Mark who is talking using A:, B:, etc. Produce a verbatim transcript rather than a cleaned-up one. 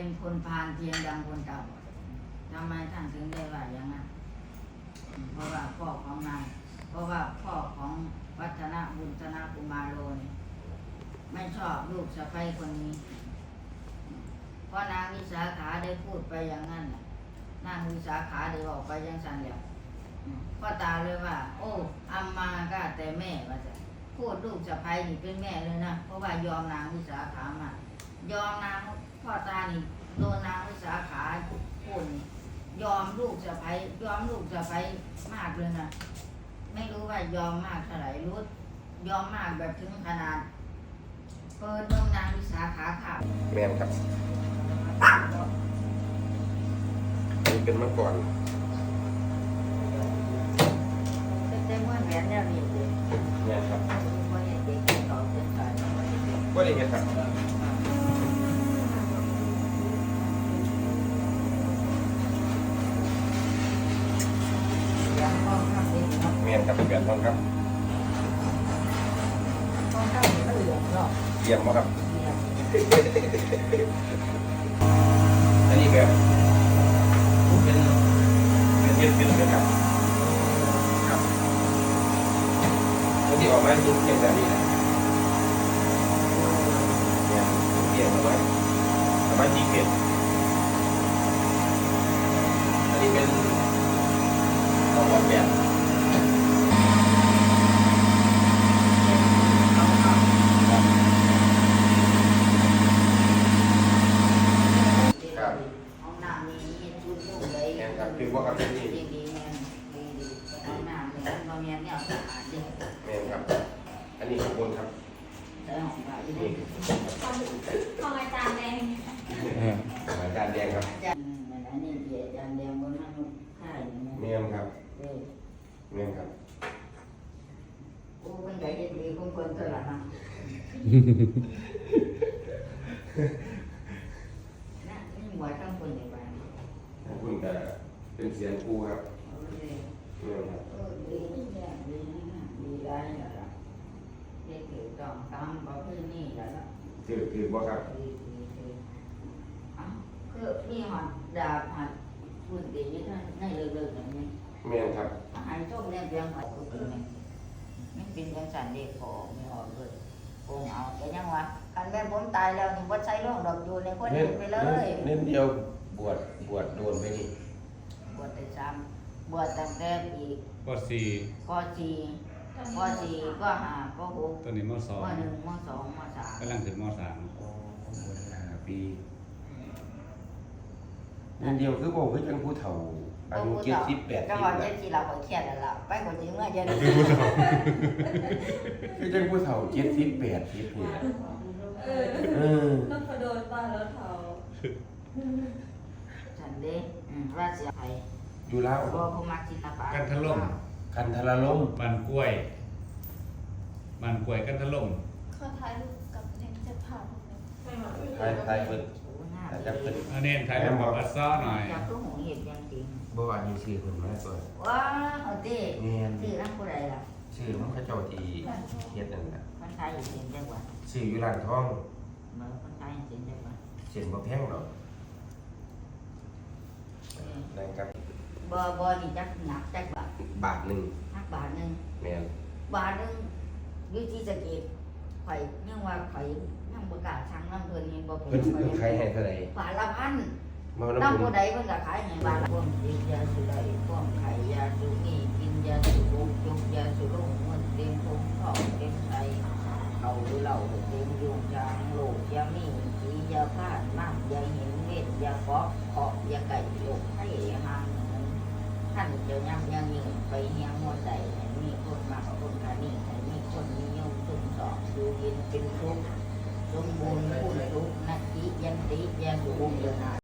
A: คนพาลเพียงดังคนเก่าทำไมท่านถึงได้ว่าอย่างนั้นเพราะว่าพ่อของนางเพราะว่าพ่อของวัฒนบุญธนกุมารโลนี่ไม่ชอบลูกสะใภ้คนนี้เพราะนางวิสาขาได้พูดไปอย่างนั้นนางวิสาขาได้บอกไปอย่างนั้นแล้วพ่อตาเลยว่าโอ้อัมมาก็แต่แม่ว่าจะพูดลูกสะใภ้นี่เป็นแม่เลยนะเพราะว่ายอมนางวิสาขามายอมนางพ่อตานี่โดนนางวิสาขาพูดนี่ยอมลูกสะใภ้ยอมลูกสะใภ้มากเลยนะไม่รู้ว่ายอมมากเท่าไหร่รู้ยอมมากแบบถึงขนาดเปิดเมืองนางวิสาขาข่าว
B: แมนครับนี่เป็นเมื่อก่อน
A: เต็มว่าแหวนเนี่ยมีเด็ก
B: แมนครับ
A: ว่าเด็กต่อเส้นสาย
B: ว่าได้เห็นครับแมนครับเป็นแบบทองครับ
A: ทองครับก็เหลืองหรอก
B: เยี่ยมมากครับอันนี้แบบเป็นเป็นเป็นเป็นเป็นครับครับแล้วที่ออกมาจุดเก็บแบบนี้นะเนี่ยเปลี่ยนมาไว้สามารถจีเก็บอันนี้เป็นออกแบบครับคือว่าครับที่นี่
A: ดีๆเนี่ยดีๆเอาหน้าเนี่ยเราเนี่ยเนี่ยสะอาดดี
B: แม่ครับอันนี้ข้างบนครับ
A: ใช้ของเราดี
C: ของอาจารย์แดง
B: อาจารย์แดงครับ
A: อาจารย์อันนี้เดี๋ยวอาจารย์แดงบนนั้นค่าย
B: แม่ครับแม่ครับ
A: โอ้เป็นไงดีๆคงคนตลาดนะนะนี่หมวยข้างคนอย่างไร
B: คุณแต่เป็นเสียงครูครับนี่ครับ
A: ดีเนี่ยดีนะดีได้แล้วล่ะเด็กถือต้องตามบอกที่นี่แล้วล่ะ
B: ถือถือว่าครับ
A: ดีดีดีอ๋อคือมีหอดดาบหัดพูดดีท่านให้เลิกๆอย่างนี้
B: แม่ครับ
A: อาหารส้มเนี่ยเพียงพอทุกคนไหมไม่เป็นจังสันเด็กพอไม่ออกเลยโกงเอาแต่ยังวะการแม่ผมตายแล้วนี่วัดใช้ร่องดอกอยู่ในคนอื่นไปเลย
B: เน้นเดียวบวชบวชโดนไปนี่
A: บวชแต่ซ้ำบวชตั้งแต่ปี
D: ปสี่
A: ปสี่ปสี่ก็ห้าก็หก
D: ตอนนี้มสอง
A: มหนึ่งมสองมสาม
D: กำลังถึงมสาม
B: โอ้บวชห้าปีเน้นเดียวคือบอกคือจังผู้เฒ่าอายุเจ็ดสิบแปด
A: ปีก็ว่าเจ็ดสิบเราก็เครียดแล้วล่ะไปคนจริงเมื่อเย็น
B: คือจังผู้เฒ่าเจ็ดสิบแปดปีนี่
C: เออเออต้องกระโดดบ้านแล้วเฒ่า
A: ฉันเด้ราชไทย
B: อยู่แล้ว
A: รอภูมิศิลปะ
D: กันทะล่ม
B: กันทะล่ม
D: มันกล้วยมันกล้วยกันทะล่ม
C: เขาถ่ายรูปกับเด็กจะผ่าน
B: ถ่ายถ่ายเปิดอาจจะเปิด
D: อันนี้ถ่ายรูปกับอัสซ้อหน่อย
A: อยากรู้หงเห็ดยังจริง
B: บ่ว่าอยู่ชื่อคนมาก่อน
A: ว้าเอาดิชื่อนั่งผู้ใดล่ะ
B: ชื่อมันเขาเจ้าที่เฮ็ดนั่นน่ะ
A: คนไทยอยู่เสียงจังหวัด
B: ชื่ออยู่ร้านทอง
A: เมื่อคนไทยเสียงจังหวัด
B: เสียงบ่แพงหรอกนะครับ
A: บ่บ่นี่จักหนักจักบาท
B: บาทนึง
A: นักบาทนึง
B: แม่น
A: บาทนึงวิธีสะเก็ดข่อยยังว่าข่อยยังบ่กล้าสั่งน้ำเพิ่นนี่บ่เป็น
B: เพิ่นขายให้เท่าใด
A: บาทละพันน้ำผู้ใดเพิ่นก็ขายให้บาทละพวกกินยาสุไดพวกไข่ยาสุนีกินยาสุบุกยุกยาสุรุ่งมันเต็มท้องท้องเต็มไส้เอาเหล้าเต็มยุงยางโลกยามีสียาพาดน้ำยาเห็นเวทยาฟอกขอบยาไก่โลกให้ห่างท่านเจ้ายังยังยิ่งไปเฮียงมวลใดให้มีคนมากคนขานี่ให้มีคนนิยมสุ่มสอบดูยินเป็นทุกสมบูรณ์ผู้ทุกนักจิยันติยาสุบุกเดือนหา